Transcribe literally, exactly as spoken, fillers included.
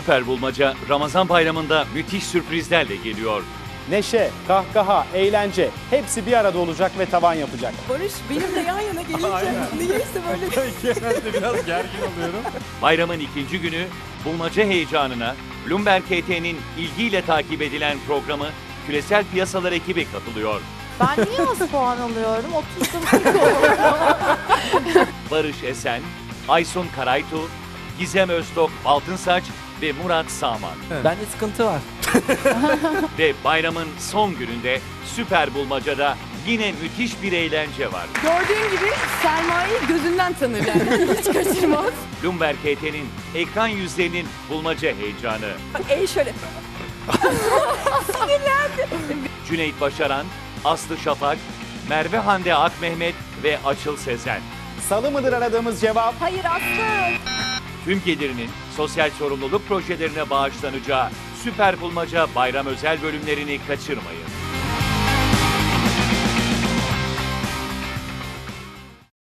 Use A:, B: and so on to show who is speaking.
A: Süper Bulmaca Ramazan bayramında müthiş sürprizlerle geliyor.
B: Neşe, kahkaha, eğlence hepsi bir arada olacak ve tavan yapacak.
C: Barış benimle yan yana gelince niyeyse böyle.
D: Genelde biraz gergin oluyorum.
A: Bayramın ikinci günü bulmaca heyecanına Bloomberg K T'nin ilgiyle takip edilen programı Küresel Piyasalar ekibi katılıyor.
E: Ben niye az puan alıyorum? otuzda
A: Barış Esen, Aysun Karaytu, Gizem Öztok Altınsaç ve Murat Sağman.
D: Bende sıkıntı var.
A: Ve bayramın son gününde Süper Bulmaca'da yine müthiş bir eğlence var.
C: Gördüğün gibi Selma'yı gözünden tanır yani. Hiç kaçırmaz.
A: Bloomberg K T'nin ekran yüzlerinin bulmaca heyecanı.
C: Bak el şöyle.
A: Cüneyt Başaran, Aslı Şafak, Merve Hande Akmehmet ve Açıl Sezen.
B: Salı mıdır aradığımız cevap?
C: Hayır Aslı.
A: Tüm gelirinin sosyal sorumluluk projelerine bağışlanacağı Süper Bulmaca bayram özel bölümlerini kaçırmayın.